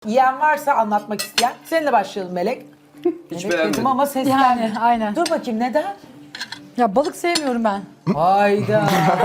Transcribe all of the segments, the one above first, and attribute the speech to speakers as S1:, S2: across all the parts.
S1: Yiyen varsa anlatmak isteyen. Seninle başlayalım Melek.
S2: Hiç
S1: Melek
S2: beğenmedim.
S1: dedim ama seslen.
S3: Yani aynen.
S1: Dur bakayım neden?
S3: Ya balık sevmiyorum ben.
S1: Hayda.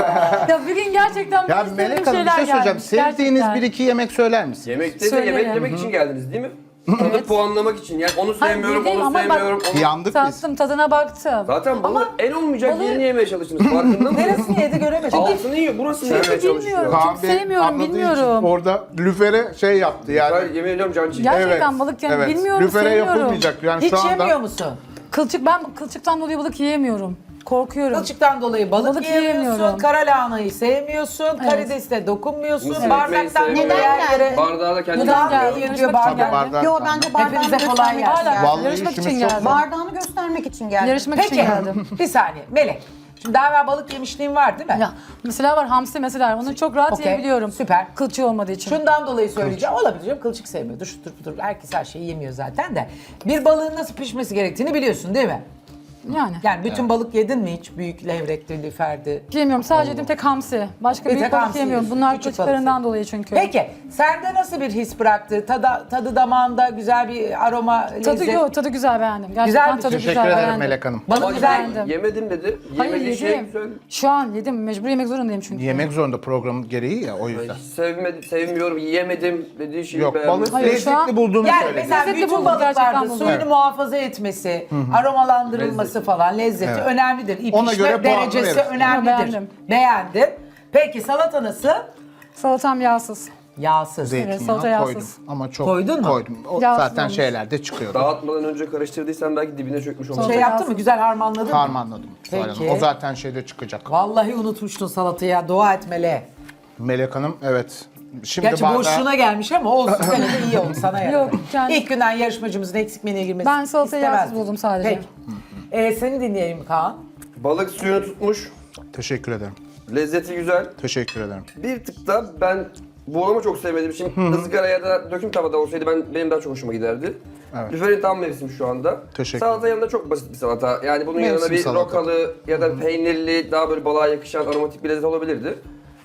S3: Ya bir gün gerçekten
S4: Ya
S3: istediğim
S4: Melek Hanım bir
S3: şeyler
S4: şey söyleyeceğim.
S3: gelmiş,
S4: Sevdiğiniz
S3: gerçekten.
S4: bir iki yemek söyler misiniz?
S2: Yemekte de
S3: Söylerim.
S2: yemek yemek için geldiniz değil mi? Tadı puanlamak için. Yani onu
S3: Hayır,
S2: sevmiyorum,
S3: yediğim
S2: onu
S3: ama bak-
S2: sevmiyorum. Onu...
S4: Yandık biz.
S3: Tattım, tadına baktım.
S2: Zaten balığı
S3: Ama
S2: en olmayacak
S3: balığı-
S2: yerini yemeye çalıştınız. Farkında mısınız?
S1: Neresini yedi göremedim.
S2: Altını yiyor, burasını yemeye çalışıyor.
S3: bilmiyorum.
S4: Kaan
S3: Çok
S4: Bey
S3: sevmiyorum,
S4: anladığı
S3: bilmiyorum.
S4: için orada lüfere şey yaptı yani.
S2: Ben yemin ediyorum can çekti.
S3: Gerçekten balık yani bilmiyorum,
S4: Lüfere
S3: sevmiyorum.
S4: yapılmayacak yani
S1: Hiç
S4: şu anda.
S1: yemiyor musun?
S3: Ben kılçıktan dolayı balık yiyemiyorum. Korkuyorum.
S1: Kılçıktan dolayı balık
S3: Balık
S1: yiyemiyorsun,
S3: yiyemiyorum.
S1: kara lahanayı sevmiyorsun, karidesine dokunmuyorsun,
S2: Mısır
S1: bardaktan
S2: ekmeği
S1: neden
S2: sevmiyorum.
S1: yere...
S2: Bardağı da kendi
S3: Neden
S1: Neden
S3: geldi?
S1: yiyor
S3: Yarışmak
S1: bardak?
S3: için geldim.
S4: Bardak.
S5: Yo bence bardağını
S1: Hepinize kolay
S5: göstermek
S1: gelsin.
S5: için geldim.
S4: Vallahi
S3: Yarışmak
S4: işimiz
S3: için
S4: çok
S3: geldim.
S4: zor.
S5: Bardağını göstermek için geldim.
S3: Yarışmak için
S1: Peki,
S3: geldim.
S1: bir saniye Melek. Şimdi daha evvel balık yemişliğin var değil mi?
S3: Ya mesela var hamsi mesela onu çok rahat
S1: Okey,
S3: yiyebiliyorum.
S1: süper.
S3: Kılçığı olmadığı için.
S1: Şundan dolayı söyleyeceğim. Olabilir canım, kılçık sevmiyordur, şudur budur. Herkes her şeyi yemiyor zaten de. Bir balığın nasıl pişmesi gerektiğini biliyorsun değil mi? Yani bütün balık yedin mi hiç? Büyük levrekli, liferdi.
S3: Yemiyorum. Sadece yediğim tek hamsi. Başka
S1: Bir
S3: büyük
S1: tek
S3: balık
S1: hamsi
S3: yemiyorum.
S1: yiyorsun,
S3: Bunlar
S1: küçük
S3: kılçıklarından
S1: balık.
S3: dolayı çünkü.
S1: Peki, sende nasıl bir his bıraktı? Tadı damağında güzel bir aroma, lezzet.
S3: Tadı güzel beğendim. Gerçekten
S1: Güzel bir-
S3: tadı
S4: Teşekkür
S3: güzel
S4: ederim
S3: beğendim.
S4: Melek Hanım.
S1: Balık
S2: Ama
S1: güzel.
S3: beğendim.
S2: yemedim dedi.
S3: Hayır
S2: Yemediği şey
S3: yedim.
S2: söyle.
S3: Şu an yedim. Mecbur yemek zorundayım çünkü.
S4: Yemek zorunda programın gereği ya o yüzden.
S2: Sevmiyorum, yiyemedim dediği şeyi
S4: Yok
S2: beğenmedim.
S4: balık
S3: Hayır, şu an-
S4: lezzetli bulduğunu
S1: Yani
S4: söyledi.
S1: mesela
S3: Lezzetli
S1: bütün
S3: buldum, gerçekten
S1: balıklarda
S3: buldum.
S1: suyunu
S4: Evet.
S1: muhafaza etmesi, aromalandırılması falan, lezzeti
S4: Evet.
S1: önemlidir.
S4: Ona
S1: İpişme
S4: göre puanını
S1: derecesi
S4: verirsin.
S1: önemlidir.
S3: Beğendim.
S1: Beğendin. Peki salata nasıl?
S3: Salatam yağsız.
S1: Yağsız.
S4: Zeytinyağı
S3: salata
S4: koydum
S3: yağsız.
S4: ama çok
S1: Koydun mu?
S4: koydum. O
S3: Yağsız
S4: zaten
S3: olmuş.
S4: şeylerde çıkıyor.
S2: Dağıtmadan önce karıştırdıysan belki dibine çökmüş olmuş.
S1: Şey yaptın mı? Güzel harmanladın mı?
S4: Harmanladım. Zuhal Hanım.
S1: Peki.
S4: O zaten şeyde çıkacak.
S1: Vallahi unutmuştun salatayı ya. Dua etmeli.
S4: Melek Hanım evet. Şimdi
S1: Gerçi boşluğuna gelmiş ama olsun. Gene de iyi oldu sana yani.
S3: Yok, yani-
S1: İlk günden yarışmacımızın eksik menüye girmesi
S3: Ben salatayı
S1: istemezdim.
S3: yağsız buldum sadece.
S1: Peki. Seni dinleyelim Kaan.
S2: Balık suyunu tutmuş.
S4: Teşekkür ederim.
S2: Lezzeti güzel.
S4: Teşekkür ederim.
S2: Bir tık da ben buğulama çok sevmedim. Şimdi ızgara ya da döküm tavada olsaydı benim daha çok hoşuma giderdi.
S4: Evet.
S2: Lüferin tam mevsim şu anda.
S4: Teşekkür
S2: Salata yanında çok basit bir salata. Yani bunun
S4: Mevsim
S2: yanına bir
S4: salata.
S2: rokalı ya da peynirli, daha böyle balığa yakışan aromatik bir lezzet olabilirdi.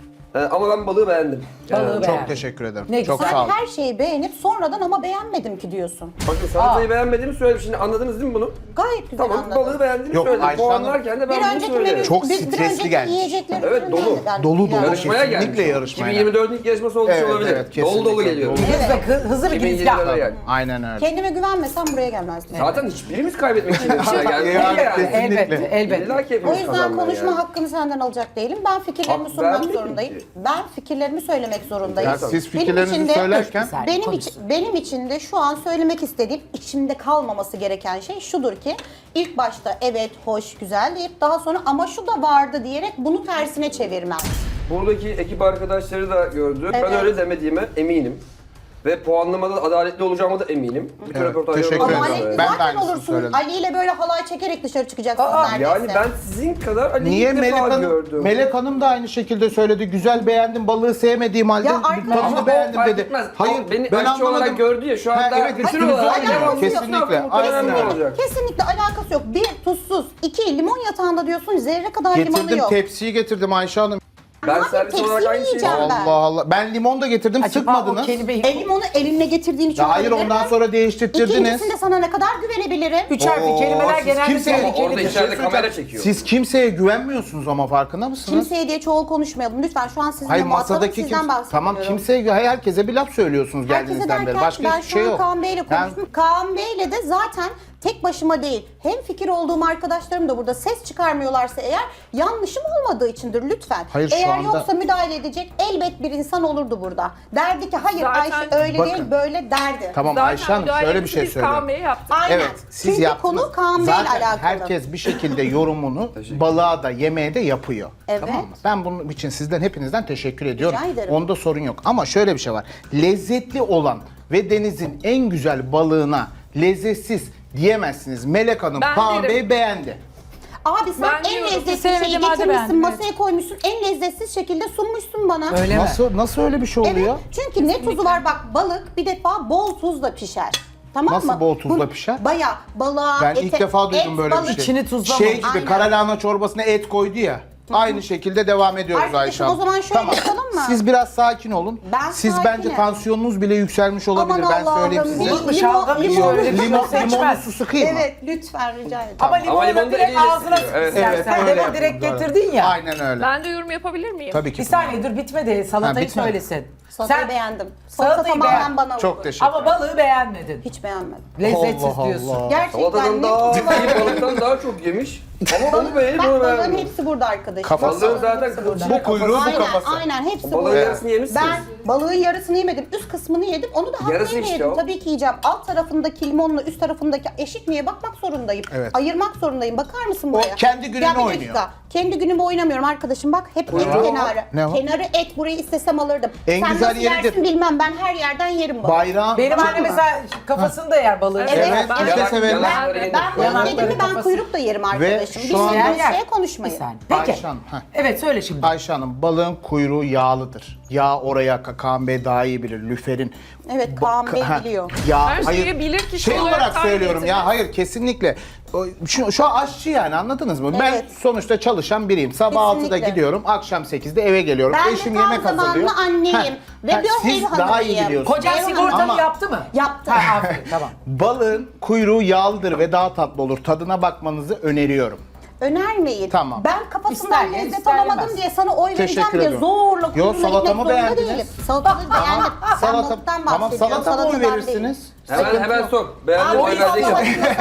S2: Ama ben balığı beğendim.
S1: Balığı
S4: Çok
S1: beğendim.
S4: teşekkür ederim.
S1: Ne
S4: çok
S1: güzel.
S4: sağ olun.
S5: Her şeyi beğenip sonradan ama beğenmedim ki diyorsun.
S2: Bakın salatayı beğenmediğimi söyledim. Şimdi anladınız değil mi bunu?
S5: Gayet güzel
S2: Tamam,
S5: anladım.
S2: balığı beğendiğimi
S4: Yok,
S2: söyledim.
S4: Ayşe Hanım-
S2: Puanlarken de ben
S5: Bir
S2: bunu
S5: önceki
S2: söyledim.
S5: menü,
S4: Çok
S5: bir
S4: stresli
S5: önceki
S4: gelmiş.
S5: yiyeceklerin
S2: Evet,
S5: ürünlerdi
S2: dolu.
S5: ben.
S4: Dolu dolu.
S5: Yani.
S2: Yarışmaya gelmiş.
S4: Kesinlikle yarışmaya
S2: 2024'ün ilk yarışması olmuş
S4: Evet,
S2: olabilir.
S4: evet,
S2: dolu dolu
S4: kesinlikle.
S2: geliyor.
S4: Dolu.
S1: Hızlı bir
S2: 2020'lere
S1: girizgah.
S2: geldi.
S4: Aynen öyle.
S5: Kendime güvenmesem buraya gelmezdim.
S2: Zaten hiçbirimiz kaybetmek için yarışmaya gelmedik
S4: Yani
S2: yani.
S4: kesinlikle.
S1: Elbette, elbette.
S2: İlla ki
S5: O
S2: hepimiz
S5: yüzden
S2: kazanmaya
S5: konuşma
S2: geldik.
S5: hakkını senden alacak değilim. Ben fikirlerimi
S2: Hak
S5: sunmak
S2: vermedin
S5: zorundayım.
S2: ki.
S5: Ben fikirlerimi söylemek zorundayım.
S4: Ya siz
S5: Benim
S4: fikirlerinizi
S5: için de-
S4: söylerken
S1: Güzel,
S5: benim
S1: konuş.
S5: benim için de şu an söylemek istediğim, içimde kalmaması gereken şey şudur ki ilk başta evet, hoş, güzel deyip daha sonra ama şu da vardı diyerek bunu tersine çevirmem.
S2: Buradaki ekip arkadaşları da gördü. Ben
S5: Evet.
S2: öyle demediğime eminim. Ve puanlamada adaletli olacağıma da eminim. Bütün
S4: Evet,
S2: röportajlarıma
S4: teşekkür
S2: da
S4: ederim.
S5: Adaletli
S2: öyle.
S4: Ben de
S5: zaten
S4: aynısını
S5: olursunuz.
S4: söyledim.
S5: Ali ile böyle halay çekerek dışarı çıkacaksınız neredeyse.
S2: Yani ben sizin kadar Ali'yi
S4: Niye
S2: ilk
S4: Melek
S2: defa
S4: Hanım,
S2: gördüm.
S4: Melek Hanım da aynı şekilde söyledi. Güzel beğendim, balığı sevmediğim halde
S5: Ya arkadaşlar,
S4: tadını
S2: Ama
S4: beğendim
S2: fark
S4: dedi.
S2: etmez.
S4: Hayır,
S2: O beni
S4: ben
S2: aşçı
S4: anlamadım.
S2: olarak gördü ya şu anda
S4: evet,
S2: bütün
S4: üstünüze
S2: olarak
S4: alınıyor.
S2: devam.
S4: Kesinlikle. Aynen
S2: Önemli
S4: öyle.
S2: olacak.
S5: Kesinlikle alakası yok. Bir, tuzsuz. İki, limon yatağında diyorsun zerre kadar limonu
S4: Getirdim,
S5: yok.
S4: tepsiyi getirdim Ayşe Hanım.
S2: Ben
S5: Abi,
S2: servis olarak
S5: tepsiyi
S2: aynı şeyi
S5: yiyeceğim ben.
S4: Allah Allah. Ben limon da getirdim,
S1: Acaba o
S4: sıkmadınız.
S1: kelimeyi...
S5: Limonu elinle getirdiğin için
S4: Ya hayır
S5: olabilir
S4: ondan
S5: mi?
S4: sonra değiştirttirdiniz.
S5: İkincisinde sana ne kadar güvenebilirim?
S1: Üç harfli
S4: Oo,
S1: kelimeler
S4: siz
S1: genelde
S4: kimseye-
S2: Ama orada
S1: tehlikelidir.
S2: içeride kamera çekiyor.
S4: Siz kimseye güvenmiyorsunuz ama farkında mısınız?
S5: Kimseye diye çoğul konuşmayalım. Lütfen şu an sizinle
S4: Hayır
S5: muhatabım,
S4: masadaki
S5: sizden bahsediyorum.
S4: tamam kimseye herkese bir laf söylüyorsunuz
S5: Herkese
S4: geldiğinizden beri.
S5: derken
S4: Başka
S5: ben
S4: hiçbir
S5: şu
S4: şey
S5: an
S4: yok.
S5: Kaan Bey'le
S4: Ben-
S5: konuştum. Kaan Bey'le de zaten tek başıma değil. Hem fikir olduğum arkadaşlarım da burada ses çıkarmıyorlarsa eğer yanlışım olmadığı içindir lütfen.
S4: Hayır, şu
S5: eğer
S4: anda-
S5: yoksa müdahale edecek elbet bir insan olurdu burada. Derdi ki hayır
S6: Zaten-
S5: Ayşe öyle
S4: Bakın.
S5: değil böyle derdi.
S4: Tamam
S6: Zaten
S4: Ayşe Hanım şöyle bir şey
S6: biz Kaan
S4: söyleyeyim.
S6: Bey'e yaptık.
S5: Aynen.
S4: Evet siz
S5: Çünkü
S4: yaptınız.
S5: konu Kaan Bey'le
S4: Zaten
S5: alakalı.
S4: herkes bir şekilde yorumunu balığa da yemeğe de yapıyor.
S5: Evet.
S4: Tamam mı? Ben bunun için sizden hepinizden teşekkür ediyorum.
S5: Rica ederim.
S4: Onda sorun yok. Ama şöyle bir şey var. Lezzetli olan ve denizin en güzel balığına lezzetsiz diyemezsiniz. Melek Hanım
S6: Ben
S4: Kaan
S6: derim.
S4: Bey beğendi.
S5: Abi sen
S6: Ben
S5: en
S6: diyorum,
S5: lezzetli
S3: sevmediğim
S5: şeyi
S3: halde
S5: getirmişsin,
S3: beğendim,
S5: masaya koymuşsun, en lezzetsiz şekilde sunmuşsun bana.
S1: Öyle mi?
S4: Nasıl öyle bir şey
S5: Evet,
S4: oluyor?
S5: çünkü ne tuzu var bak balık bir defa bol tuzla pişer. Tamam
S4: Nasıl
S5: mı?
S4: bol tuzla pişer?
S5: Bayağı balığa,
S4: Ben
S5: ete,
S4: ilk defa duydum
S5: et,
S4: böyle bir
S5: balık.
S4: şey.
S1: İçini tuzlama.
S4: Şey gibi
S5: Aynen.
S4: kara lahana çorbasına et koydu ya. Aynı şekilde devam ediyoruz Ayşe
S5: Arkadaşım
S4: Hanım.
S5: o zaman şöyle yapalım mı?
S4: Siz biraz sakin olun.
S5: Ben
S4: Siz
S5: sakinim.
S4: bence tansiyonunuz bile yükselmiş olabilir.
S5: Aman
S4: Ben söyleyeyim
S5: Allah'ım,
S4: size.
S5: bir-
S1: Bu şalgam hiç
S5: limon-
S1: öyle bir şey
S4: Limonlu
S1: seçmez.
S4: su sıkayım mı?
S5: Evet lütfen rica ederim.
S1: Ama limonu
S2: limonu
S1: da direkt
S2: eliyle
S1: ağzına
S2: sıkıyor.
S1: sık
S2: Evet,
S1: istersen.
S4: öyle
S1: Demin
S4: yapın,
S1: direkt
S4: doğru.
S1: getirdin ya.
S4: Aynen öyle.
S6: Ben de yorum yapabilir miyim?
S4: Tabii ki.
S1: Bir saniye dur bitmedi. Salatayı
S4: Ha, bitmedi.
S1: söylesin.
S5: Salatayı beğendim. Salata
S1: Salatayı
S5: tamamen
S1: beğen-
S5: bana
S4: Çok
S5: uygun.
S4: teşekkür
S1: Ama balığı beğenmedin.
S5: Hiç beğenmedim.
S1: Lezzetsiz
S4: Allah
S1: diyorsun.
S4: Allah.
S5: Gerçekten
S2: Salatadan
S5: ne
S2: daha
S5: tuzu var.
S2: balıktan daha çok yemiş. Ama onu beğenip
S5: Bak
S2: onu
S5: balığın
S2: beğenmedim.
S5: hepsi burada arkadaşım.
S4: Kafası.
S2: Balığın zaten kılçığı
S4: Bu kuyruğu, bu
S5: Aynen,
S4: kafası.
S5: aynen hepsi
S2: Balığın
S5: burada.
S2: yarısını yemişsiniz.
S5: Ben balığın yarısını yemedim. Üst kısmını yedim. Onu da
S2: Yarısı
S5: hakkıyla
S2: işte
S5: yedim.
S2: o.
S5: Tabii ki yiyeceğim. Alt tarafındaki limonla üst tarafındaki eşit miye bakmak zorundayım.
S4: Evet.
S5: Ayırmak zorundayım. Bakar mısın buraya?
S4: kendi gününü
S5: Ya bir dakika.
S4: oynuyor.
S5: Kendi günümü oynamıyorum arkadaşım. Bak hep et kenarı.
S4: Ne o?
S5: Kenarı et. Burayı istesem alırdım.
S4: En
S5: Sen
S4: güzel
S5: nasıl
S4: yeridir.
S5: yersin bilmem. Ben her yerden yerim balığı.
S4: Bayrağı.
S1: Benim
S5: Tamam
S1: anne
S5: mı?
S1: mesela kafasını da yer balığı.
S5: Evet,
S4: Evet,
S5: ben-
S4: biz de severiz.
S5: Ben balık
S1: Yanakları,
S5: yedim mi ben
S1: kafası.
S5: kuyruk da yerim arkadaşım.
S4: şu an-
S5: Bilmediğiniz
S1: Yer.
S5: şeye
S1: Bir
S5: konuşmayın.
S1: saniye. Peki.
S4: Ayşe Hanım, heh.
S1: Evet söyle şimdi.
S4: Ayşe Hanım, balığın kuyruğu yağlıdır. Yağ oraya Kaan Bey daha iyi bilir. Lüferin.
S5: Evet, Kaan Bey
S4: Ha,
S5: biliyor.
S4: Yağ,
S6: Her şeyi bilir kişi
S4: Şey
S6: olarak
S4: olarak
S6: tahmin
S4: söylüyorum ya,
S6: edilmez.
S4: hayır kesinlikle. Şu an aşçı yani, anladınız mı? Ben
S5: Evet.
S4: sonuçta çalışan biriyim. Sabah 6'da
S5: Kesinlikle.
S4: gidiyorum, akşam 8'de eve geliyorum.
S5: Ben de
S4: Eşim
S5: tam
S4: yemek hazırlıyor.
S5: zamanlı anneyim. Ve bir
S4: siz
S5: ev
S4: daha iyi
S5: hanımıyım.
S4: biliyorsunuz.
S1: Kocan
S5: Eyvallah.
S1: sigortanı
S4: Ama-
S1: yaptı mı?
S5: Yaptı.
S1: Ha, aferin tamam.
S4: Balığın kuyruğu yağlıdır ve daha tatlı olur. Tadına bakmanızı öneriyorum.
S5: Önermeyin.
S4: Tamam.
S5: Ben kafasından
S1: İster yer,
S5: lezzet
S1: ister
S5: alamadım
S1: yemez.
S5: diye sana oy vereceğim
S4: Teşekkür
S5: diye
S4: ediyorum.
S5: zorla
S4: Yo,
S5: kuyruğuna gitmek
S4: salatamı
S5: zorunda
S4: beğendiniz.
S5: değilim. Salatayı beğendim. Ben
S4: Salata,
S5: balıktan
S4: tamam,
S5: bahsediyorum.
S4: salata mı oy
S5: salatadan
S4: verirsiniz?
S2: Hemen sor. Beğendim
S5: Abi,
S2: oy vereceksin.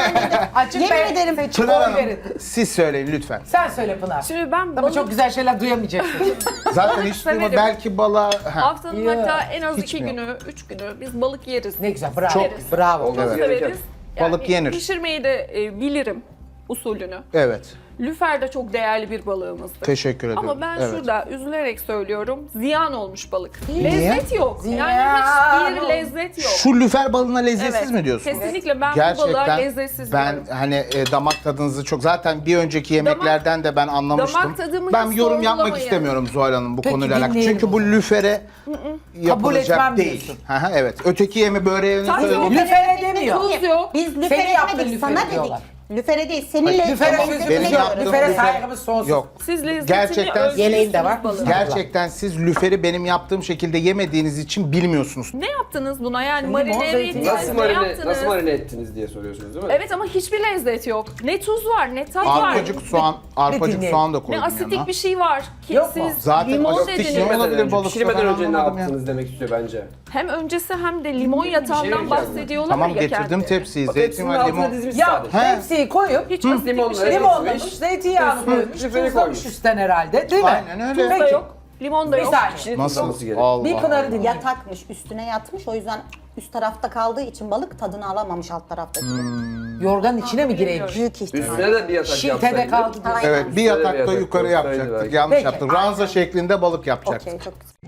S1: Açık
S5: Yemin ederim.
S1: seçim
S4: Pınar
S1: oy
S4: Hanım,
S1: verin.
S4: siz söyleyin lütfen.
S1: Sen söyle Pınar.
S6: Şimdi ben
S1: Ama
S6: balık
S1: çok güzel şeyler duyamayacaksın.
S4: Zaten hiç duyma,
S6: Severim.
S4: belki balığa... Ha.
S6: haftanın
S1: Ya,
S6: hatta en az
S4: hiç
S6: 2
S4: mi?
S6: günü, 3 günü biz balık yeriz.
S1: Ne güzel bravo.
S4: Çok-
S1: Bravo.
S2: Olmaz
S6: Çok
S2: gereken.
S6: severiz.
S4: Balık yenir.
S6: Pişirmeyi de bilirim usulünü.
S4: Evet.
S6: Lüfer de çok değerli bir balığımızdır.
S4: Teşekkür ediyorum.
S6: Ama ben
S4: Evet.
S6: şurada üzülerek söylüyorum, ziyan olmuş balık.
S4: Niye?
S6: Lezzet yok.
S1: Ziyan
S6: Yani hiçbir
S1: olmuş.
S6: lezzet yok.
S4: Şu lüfer balığına lezzetsiz
S6: Evet,
S4: mi diyorsunuz?
S6: kesinlikle ben bu balığa lezzetsiz
S4: ben
S6: diyorum.
S4: hani damak tadınızı çok, zaten bir önceki yemeklerden de ben anlamıştım.
S6: damak tadımı
S4: Ben
S6: hiç
S4: yorum yapmak
S6: sorgulamayın.
S4: istemiyorum Zuhal Hanım bu
S1: Peki,
S4: konuyla alakalı.
S1: dinleyelim
S4: Çünkü
S1: o
S4: bu
S1: zaman.
S4: lüfere yapılacak
S1: etmem
S4: değil.
S1: diyorsun.
S4: Hı hı, evet. Öteki yemi böreğini
S6: Tabii,
S4: söylüyorum.
S1: Lüfere demiyor.
S6: Tuz yok.
S5: Biz
S1: Senin
S5: lüfere
S1: yaptığın
S5: etmedik,
S1: lüfere
S5: sana dedik.
S1: diyorlar.
S5: Lüfere değil, senin
S1: Lüfere
S4: Benim
S5: lezzetine
S4: yaptığım
S5: göre.
S1: Lüfere
S4: lüfer-
S1: saygımız sonsuz.
S4: Yok.
S6: Siz lezzetini
S4: Gerçekten
S6: ölçmüşsünüz
S1: yeleği de var.
S6: balığın.
S4: Gerçekten siz lüferi benim yaptığım şekilde yemediğiniz için bilmiyorsunuz.
S6: Ne yaptınız buna yani
S1: Limon,
S6: marine
S1: zeytin.
S6: ettiniz,
S2: Nasıl marine ettiniz diye soruyorsunuz değil mi?
S6: Evet ama hiçbir lezzet yok. Ne tuz var, ne tat var.
S4: Arpacık soğan, arpacık
S1: dinleyelim.
S4: soğan da
S6: Ne
S4: koydum
S6: asitik
S4: yanına.
S6: bir şey var ki
S1: Yok mu?
S6: siz
S4: Zaten
S6: limon
S4: asitik
S6: dediniz.
S4: şey olabilir balıkta,
S2: Pişirmeden
S4: ben
S2: önce ne
S4: anlamadım ya.
S2: yaptınız demek istiyor bence.
S6: Hem öncesi hem de limon yatağından
S2: diyeceğim.
S6: bahsediyorlar
S4: Tamam,
S6: ya
S4: getirdim
S6: kendileri.
S4: tepsiyi.
S2: Bak,
S4: Zeytin
S2: hepsinin
S4: ve
S2: altına
S4: limon.
S2: dizmiş
S1: Ya
S2: sadece.
S1: tepsiyi koyup
S6: Hiç asitik bir
S2: limonla,
S6: şey
S2: evet.
S6: yok.
S1: limonlamış, zeytinyağını koymuş,
S2: Lüferi
S1: tuzlamış
S2: koymuş.
S1: üstten herhalde değil mi?
S4: Aynen öyle.
S6: Tuz da
S1: Peki.
S6: yok, limon da
S1: Bir
S6: yok.
S1: saniye.
S4: Nasıl?
S2: Olması gerek.
S4: Allah
S1: Bir Pınar'ı
S4: Allah.
S1: dinleyelim.
S5: Yatakmış, üstüne yatmış. O yüzden üst tarafta kaldığı için balık tadını alamamış alt taraftaki.
S1: Yorganın içine mi gireymiş?
S5: Büyük ihtimal.
S2: Üstüne de bir yatak
S1: Şiltede
S2: yapsaydı.
S1: kaldı diyor.
S5: Aynen.
S4: Evet, bir
S2: Üstüne de bir
S4: yatakta
S2: yatak
S4: yukarı
S2: koysaydı
S4: yapacaktık.
S2: belki.
S4: Yanlış
S1: Peki.
S4: yaptık. Ranza şeklinde balık yapacaktık.
S5: Okey, çok güzel.